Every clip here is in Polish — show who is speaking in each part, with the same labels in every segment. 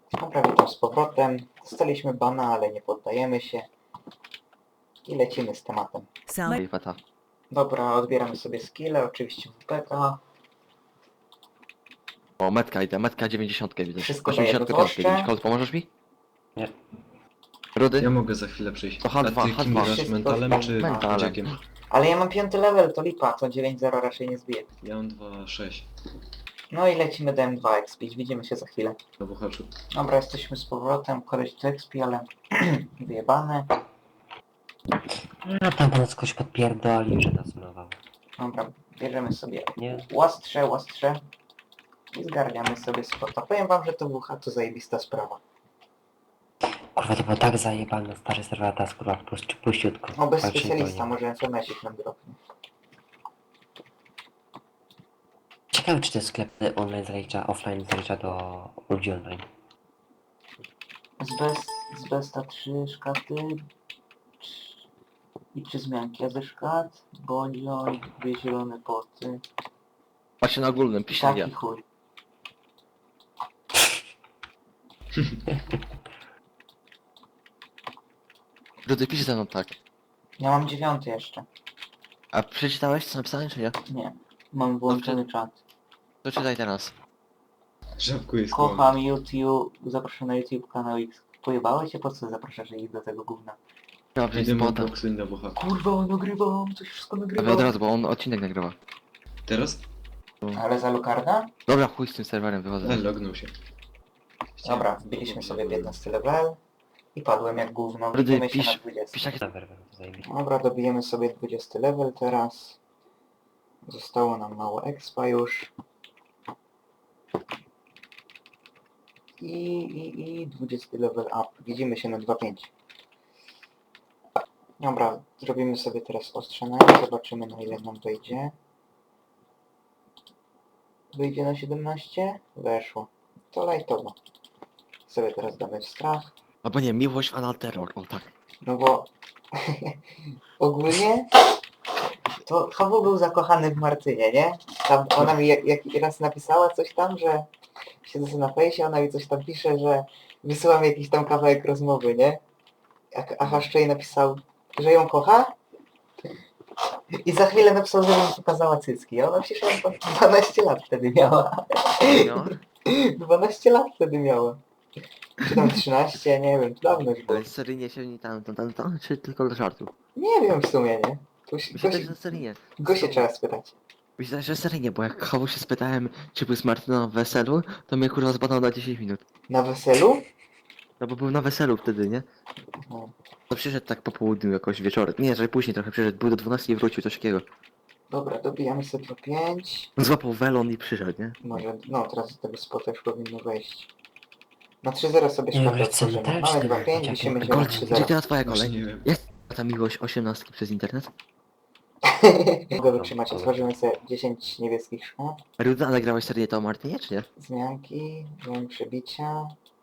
Speaker 1: Dobra, witam z powrotem. Dostaliśmy bana, ale nie poddajemy się. I lecimy z tematem.
Speaker 2: Pata.
Speaker 1: Dobra, odbieramy sobie skille, oczywiście WPK.
Speaker 2: O, metka idę, metka 90 widzę.
Speaker 1: Wszystko daje
Speaker 2: 85
Speaker 1: wzroszcze.
Speaker 2: widzisz. Kolt, pomożesz mi?
Speaker 3: Nie.
Speaker 2: Rudy?
Speaker 4: Ja mogę za chwilę przyjść.
Speaker 2: To
Speaker 4: A
Speaker 2: H2,
Speaker 4: ty kim
Speaker 2: H2.
Speaker 4: grasz, mentalem czy
Speaker 2: Mentalem.
Speaker 4: jackiem?
Speaker 1: Ale ja mam 5 level, to lipa, to 9-0 raczej nie zbije.
Speaker 4: Ja mam 2,6
Speaker 1: No i lecimy do M2 expić, widzimy się za chwilę.
Speaker 4: na buchaczu.
Speaker 1: Dobra, jesteśmy z powrotem, koleś tu expi, ale wyjebane.
Speaker 3: No tam pan coś podpierdolił, że nas malował.
Speaker 1: Dobra, bierzemy sobie
Speaker 3: Nie?
Speaker 1: łastrze i zgarniamy sobie spota. Powiem wam, że to WH to zajebista sprawa.
Speaker 3: Kurwa, to było tak zajebane, stary serwer teraz kurwa puściutko.
Speaker 1: No bez
Speaker 3: Walczy
Speaker 1: specjalista,
Speaker 3: nikogo nie.
Speaker 1: może FMS-ik nam dropnie.
Speaker 3: Ciekawe czy ten sklep online zalicza, offline zalicza do ludzi online.
Speaker 1: Z Besta 3 szkaty i 3 zmianki, a ze szkat, bolioj, 2 zielone poty,
Speaker 2: Patrzcie na ogólnym, pisze
Speaker 1: taki
Speaker 2: ja.
Speaker 1: chuj.
Speaker 2: Rudy, pisz ze mną tak.
Speaker 1: Ja mam 9 jeszcze.
Speaker 2: A przeczytałeś co napisałem, czy nie?
Speaker 1: Nie, mam włączony czat.
Speaker 2: To czytaj teraz.
Speaker 4: Żabku jest
Speaker 1: Kocham YouTube, zapraszam na YouTube kanał X. Pojebałeś się? Po co zapraszasz ich do tego gówna?
Speaker 2: Trzeba
Speaker 4: Idę
Speaker 2: wziąć
Speaker 4: mu
Speaker 2: spota.
Speaker 4: boksuj na buchaku.
Speaker 1: Kurwa, nagrywam, to się wszystko
Speaker 2: Ale
Speaker 1: nagrywa.
Speaker 2: od razu, bo on odcinek nagrywa.
Speaker 4: Teraz?
Speaker 1: Ale za Lukarda?
Speaker 2: Dobra, chuj z tym serwerem, wychodzę.
Speaker 4: Lognął się.
Speaker 1: Dobra, wbiliśmy sobie w 11 level i padłem jak gówno.
Speaker 2: Rudy,
Speaker 1: Widzimy się
Speaker 2: pisz-
Speaker 1: na 20.
Speaker 2: Pisz takie...
Speaker 3: Serwer, to zajebiście.
Speaker 1: Dobra, dobijemy sobie 20 level teraz. Zostało nam mało expa już. I 20 level up. Widzimy się na 2.5. Dobra, zrobimy sobie teraz ostrzenie. Zobaczymy na ile nam wejdzie. Wyjdzie na 17? Weszło. To lightowo. Sobie teraz damy w strach.
Speaker 2: Albo nie, miłość anal terror, o tak.
Speaker 1: No bo ogólnie to Hawu był zakochany w Martynie, nie? Tam ona mi jak raz napisała coś tam, że siedzę sobie na fejsie, ona mi coś tam pisze, że wysyłam jakiś tam kawałek rozmowy, nie? A Haszczej napisał, że ją kocha i za chwilę napisał, że mi pokazała cycki. A ona przecież 12 lat wtedy miała.
Speaker 2: No,
Speaker 1: 12 lat wtedy miała. Czy tam 13, nie wiem, dawno już było.
Speaker 2: ale seryjnie się nie tam, czy tylko do żartu?
Speaker 1: Nie wiem w sumie, nie?
Speaker 2: Myślę, że seryjnie.
Speaker 1: Go się trzeba spytać.
Speaker 2: Myślę, że seryjnie, bo jak Hawu się spytałem, czy był z Martyną na weselu, to mnie kurwa zbadał na 10 minut.
Speaker 1: Na weselu?
Speaker 2: No bo był na weselu wtedy, nie?
Speaker 1: No.
Speaker 2: To przyszedł tak po południu jakoś wieczorem. Nie, że później trochę przyszedł, był do 12 i wrócił, coś takiego.
Speaker 1: Dobra, dobijamy sobie po 5.
Speaker 2: Złapał welon i przyszedł, nie?
Speaker 1: Może, no teraz z tego spota już powinno wejść. Na 3-0 sobie
Speaker 3: Nie,
Speaker 1: szkodę
Speaker 3: wiesz co,
Speaker 1: otworzymy.
Speaker 3: też
Speaker 1: Mamy
Speaker 3: nie
Speaker 1: 2-5,
Speaker 3: wiem,
Speaker 1: wisimy się na
Speaker 2: Gold, gdzie
Speaker 1: 3-0.
Speaker 2: teraz twoja
Speaker 4: Właśnie
Speaker 2: kolej?
Speaker 4: nie wiem.
Speaker 2: Jak ta miłość 18 przez internet?
Speaker 1: Mogę wytrzymać, otworzymy sobie 10 niebieskich szkół.
Speaker 2: Ruda, ale grałeś serię to o Martynie, czy nie?
Speaker 1: Zmianki, broń przebicia.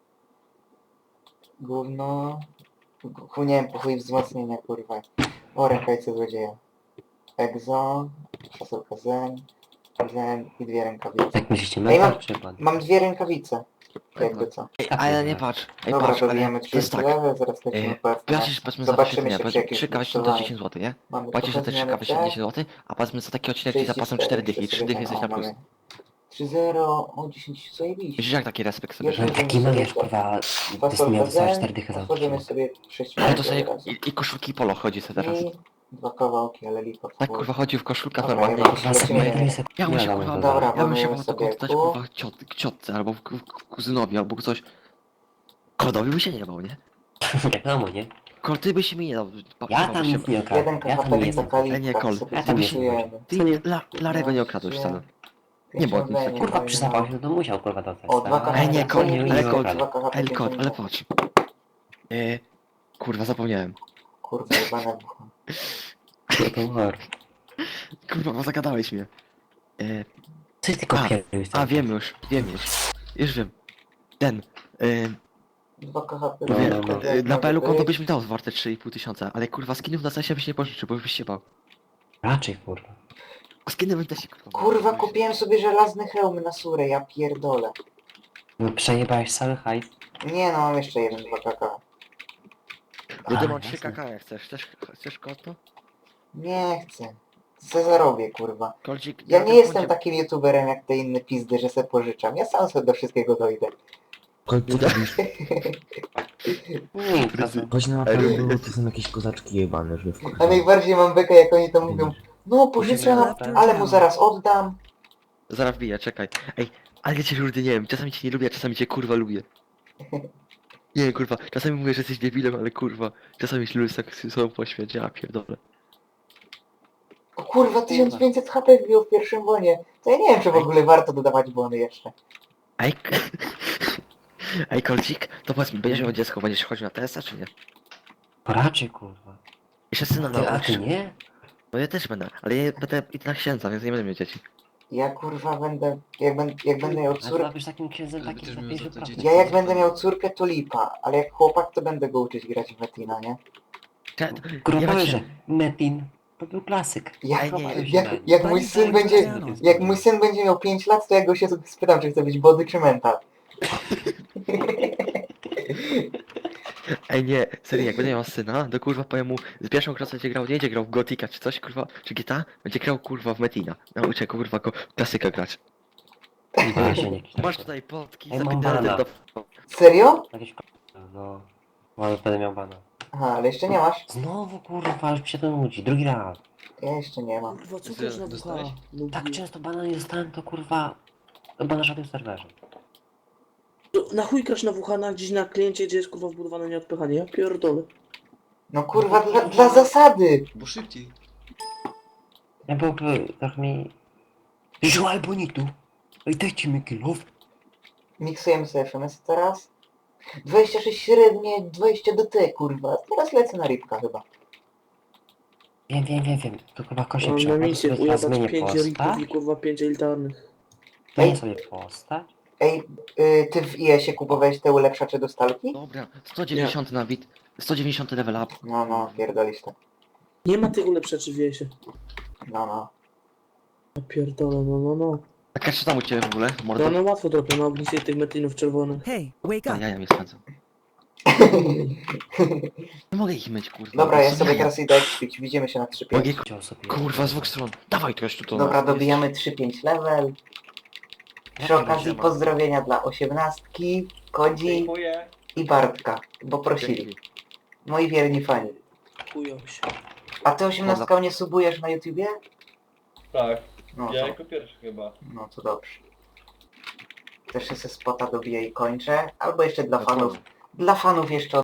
Speaker 1: Gówno. Nie wiem, po chuj wzmocnienia, kurwa. O, rękawice złodzieja. Egzo, fasolka zen i 2 rękawice.
Speaker 3: Jak myślicie,
Speaker 1: Ej,
Speaker 3: mental czy pan?
Speaker 1: Mam 2 rękawice. Jakby co.
Speaker 2: Ale nie patrz. Ej,
Speaker 1: Dobra,
Speaker 2: patrz, ale
Speaker 1: dobijemy
Speaker 2: to jest
Speaker 1: 30
Speaker 2: tak.
Speaker 1: level, zaraz lecimy po FK.
Speaker 2: Płacisz, powiedzmy za
Speaker 1: Zobaczymy
Speaker 2: takie
Speaker 1: się
Speaker 2: dnia,
Speaker 1: przy jakimś
Speaker 2: 3 kawałki to
Speaker 1: głosowaniu.
Speaker 2: 10 zł, nie?
Speaker 1: Mamy
Speaker 2: Płacisz za te 3
Speaker 1: trochę
Speaker 2: kawałki
Speaker 1: zmiany
Speaker 2: 10 zł, a powiedzmy za taki odcinek ci zapłacą 4 dychy, 3 dychy jesteś na plus.
Speaker 1: 3-0, o 10 zajebiście.
Speaker 2: Myślisz jak taki respekt sobie,
Speaker 1: Jeszcze
Speaker 2: że...
Speaker 3: No taki mariaż kurwa, to miał dostać 4 dychy za
Speaker 1: Otworzymy
Speaker 3: odcinek.
Speaker 1: sobie 6
Speaker 2: Ale to sobie i koszulki polo chodzi sobie teraz.
Speaker 1: I 2 kawałki, ale lipa.
Speaker 2: Tak kurwa chodził w koszulkach
Speaker 1: Dobra,
Speaker 2: normalnie.
Speaker 1: ja
Speaker 3: Kurwa,
Speaker 1: Lecimy.
Speaker 3: sobie sobie
Speaker 2: Ja bym się kurwa,
Speaker 1: Dobra,
Speaker 2: ja bym się
Speaker 1: mamy
Speaker 2: po to
Speaker 1: sobie
Speaker 2: oddać
Speaker 1: kół.
Speaker 2: kurwa ciotce albo kuzynowi albo coś. Kodowi by się nie bał, nie?
Speaker 3: Wiadomo, nie?
Speaker 2: Kol, ty by się mi nie dał.
Speaker 3: Ja tam nic nie
Speaker 1: Jeden
Speaker 3: okradłem, ja tam nie
Speaker 1: kawałek
Speaker 3: jestem.
Speaker 1: taka
Speaker 2: nie,
Speaker 1: lipa,
Speaker 2: Kol,
Speaker 1: sobie
Speaker 3: ja tam nie
Speaker 1: kupujemy.
Speaker 2: Ty Larego nie okradłeś wcale. Nie było nic takiego.
Speaker 3: Kurwa przyzapał się, to musiał kurwa dostać.
Speaker 1: O, 2
Speaker 3: tak?
Speaker 2: Ej, nie, Kol,
Speaker 3: Nie,
Speaker 2: ale
Speaker 3: nie
Speaker 2: Kol,
Speaker 3: okradł.
Speaker 2: ej, Kol, ale patrz. Kurwa, zapomniałem.
Speaker 1: Kurwa, jebane bucha.
Speaker 3: To war.
Speaker 2: Kurwa, bo zagadałeś mnie.
Speaker 3: Coś tylko
Speaker 2: A,
Speaker 3: pierdolisz.
Speaker 2: A, wiem już. Już wiem. Ten.
Speaker 1: 2 KHP.
Speaker 3: No,
Speaker 2: Wie,
Speaker 3: no, no.
Speaker 2: na PL konto byś mi dał warte 3,5 tysiąca, ale kurwa skinów na sensie byś nie pożyczył, bo byś się bał.
Speaker 3: Raczej kurwa.
Speaker 2: Skiny bym też się kurwa.
Speaker 1: Kurwa, kupiłem sobie żelazny hełm na surę, ja pierdolę.
Speaker 3: No przejebałeś cały hajs.
Speaker 1: Nie no, mam jeszcze jeden 2 kakao.
Speaker 2: Rudy, mam
Speaker 3: jasne.
Speaker 2: 3 kk, jak chcesz. Chcesz konto?
Speaker 1: Nie chcę. Co zarobię, kurwa.
Speaker 2: Kolcik,
Speaker 1: Ja
Speaker 2: na
Speaker 1: nie
Speaker 2: tym
Speaker 1: jestem
Speaker 2: koncie-
Speaker 1: takim youtuberem jak te inne pizdy, że se pożyczam. Ja sam sobie do wszystkiego dojdę.
Speaker 5: Chodź, co robisz?
Speaker 3: Nie, to
Speaker 5: Chodź na mapę, bo to są jakieś kozaczki jebane, że
Speaker 1: A najbardziej mam bekę, jak oni to mówią. No pożyczam, ale mu zaraz oddam.
Speaker 2: Zaraz wbiję, czekaj. Ej, ale ja cię Rudy nie wiem, czasami cię nie lubię, a czasami cię kurwa lubię. Nie kurwa, czasami mówię, że jesteś debilem, ale kurwa, czasami się lubię tak z sobą pośmiać, ja pierdolę.
Speaker 1: O kurwa, 1500 HP wbił w pierwszym bonie. To ja nie wiem, czy w ogóle warto dodawać bony jeszcze.
Speaker 2: Ej, ej Kolcik, to powiedz mi, będziesz miał dziecko, będziesz chodził na TS-a czy nie?
Speaker 3: raczej kurwa.
Speaker 2: Jeszcze syna
Speaker 3: A ty nie?
Speaker 2: No ja też będę, ale ja będę idę na księdza, więc nie będę miał dzieci.
Speaker 1: Ja kurwa będę, jak będę miał
Speaker 3: Ale
Speaker 1: córkę,
Speaker 3: to być takim księdzem
Speaker 4: Ale
Speaker 3: takim
Speaker 4: będziesz
Speaker 3: na
Speaker 4: miał za to
Speaker 3: 50%.
Speaker 4: dzieci.
Speaker 1: ja jak będę miał córkę to lipa, ale jak chłopak to będę go uczyć grać w Metina, nie?
Speaker 3: Kurwa
Speaker 2: Ja
Speaker 3: powiesz,
Speaker 2: cię-
Speaker 3: że Metin to był klasyk.
Speaker 1: Jak,
Speaker 2: Ej, nie,
Speaker 1: jak mój syn będzie miał 5 lat, to ja go się spytam, czy chce być body czy mental.
Speaker 2: Ej nie, serio, jak będę miał syna, to kurwa powiem mu, z pierwszą klasą będzie grał, nie będzie grał w Gotika czy coś, kurwa, czy GTA, będzie grał kurwa w Metina. Nauczę go kurwa go klasyka grać.
Speaker 3: A się nie kisz.
Speaker 2: Masz tutaj potki,
Speaker 3: Ej, mam
Speaker 2: zapinane
Speaker 3: bana.
Speaker 2: do...
Speaker 1: Serio?
Speaker 3: Jakieś no. Ale będę miał bana.
Speaker 1: Aha, ale jeszcze nie masz.
Speaker 3: Znowu kurwa, już mi się to nudzi. Drugi raz.
Speaker 1: Ja jeszcze nie mam.
Speaker 6: Kurwa, co
Speaker 4: Ty
Speaker 6: też na
Speaker 4: dostałeś?
Speaker 6: WH?
Speaker 3: Tak często bana nie dostałem, to kurwa... Chyba na żadnym serwerze.
Speaker 6: Na chuj grasz na WH na gdzieś na kliencie, gdzie jest kurwa wbudowane nieodpychanie? Ja pierdolę.
Speaker 1: No kurwa, dla zasady.
Speaker 4: Bo szybciej.
Speaker 3: Ja byłby trochę mi... Żual bonitu. Ej, dajcie mi kilów.
Speaker 1: Miksujemy sobie FMS teraz. 26 średnie, 20 DT, kurwa. Teraz lecę na rybka chyba.
Speaker 3: Wiem. To chyba kosie
Speaker 6: Mam na
Speaker 3: trzeba.
Speaker 6: misję
Speaker 3: Sobie
Speaker 6: ujebać
Speaker 3: zmienię
Speaker 6: 5
Speaker 3: postać.
Speaker 6: rików i kurwa 5 elitarnych.
Speaker 3: Zmienię sobie postać.
Speaker 1: Ej, ty w IS-ie kupowałeś te ulepszacze do stalki?
Speaker 2: Dobra, 190 na bit, 190 level up.
Speaker 1: No, pierdolisz to.
Speaker 6: Nie ma tych ulepszaczy w wiesie.
Speaker 1: No.
Speaker 6: Ja pierdolę, no.
Speaker 2: A czy tam u ciebie w ogóle, mordo?
Speaker 6: No łatwo trochę na ognisie tych metinów czerwonych.
Speaker 7: Hey, wake
Speaker 2: A
Speaker 7: up!
Speaker 2: ja mnie spędzam. Nie mogę ich myć, kurwa.
Speaker 1: Dobra, ja
Speaker 2: Co
Speaker 1: sobie
Speaker 2: ja?
Speaker 1: teraz idę ekspić. Widzimy się na 3-5.
Speaker 2: Mogę,
Speaker 3: Chciał sobie...
Speaker 2: kurwa, z dwóch stron. Dawaj to jeszcze to.
Speaker 1: Dobra, dobijamy 3-5 level. Przy okazji pozdrowienia dla 18, Kodzi i Bartka, bo prosili. Moi wierni fani.
Speaker 6: Chują się.
Speaker 1: A ty 18 nie subujesz na YouTubie?
Speaker 8: Tak,
Speaker 1: No
Speaker 8: ja
Speaker 1: to,
Speaker 8: jako pierwszy chyba.
Speaker 1: no to dobrze. Też się spota dobiję i kończę. Albo jeszcze dla fanów. Dla fanów jeszcze